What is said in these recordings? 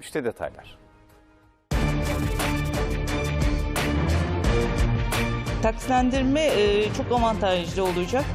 İşte detaylar. Taksitlendirme çok avantajlı olacak.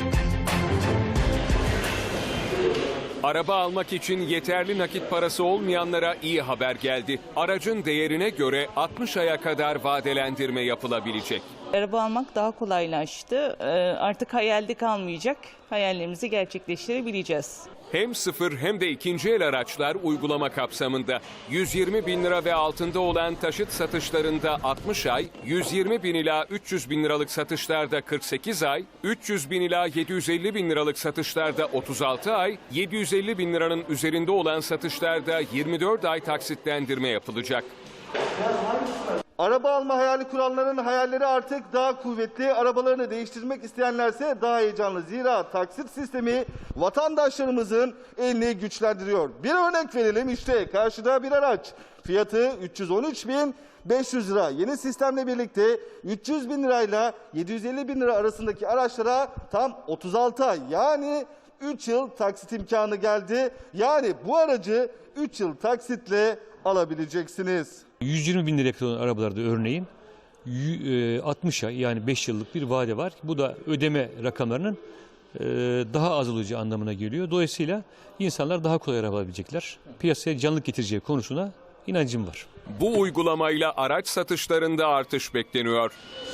Araba almak için yeterli nakit parası olmayanlara iyi haber geldi. Aracın değerine göre 60 aya kadar vadelendirme yapılabilecek. Araba almak daha kolaylaştı. Artık hayalde kalmayacak. Hayallerimizi gerçekleştirebileceğiz. Hem sıfır hem de ikinci el araçlar uygulama kapsamında. 120 bin lira ve altında olan taşıt satışlarında 60 ay, 120 bin ila 300 bin liralık satışlarda 48 ay, 300 bin ila 750 bin liralık satışlarda 36 ay, 750 bin liranın üzerinde olan satışlarda 24 ay taksitlendirme yapılacak. Araba alma hayali kuranların hayalleri artık daha kuvvetli. Arabalarını değiştirmek isteyenlerse daha heyecanlı. Zira taksit sistemi vatandaşlarımızın elini güçlendiriyor. Bir örnek verelim, işte karşıda bir araç. Fiyatı 313.500 lira. Yeni sistemle birlikte 300 bin lirayla 750 bin lira arasındaki araçlara tam 36 ay, yani 3 yıl taksit imkanı geldi. Yani bu aracı 3 yıl taksitle alabileceksiniz. 120 bin liraya kadar olan arabalarda örneğin 60 ay, yani 5 yıllık bir vade var. Bu da ödeme rakamlarının daha az olacağı anlamına geliyor. Dolayısıyla insanlar daha kolay araba alabilecekler. Piyasaya canlılık getireceği konusuna inancım var. Bu uygulamayla araç satışlarında artış bekleniyor.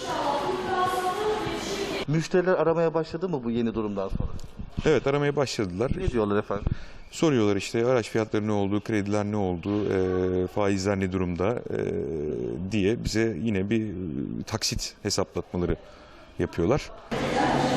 Müşteriler aramaya başladı mı bu yeni durumdan sonra? Evet, aramaya başladılar. Ne diyorlar efendim? Soruyorlar işte araç fiyatları ne oldu, krediler ne oldu, faizler ne durumda diye bize yine bir taksit hesaplatmaları yapıyorlar.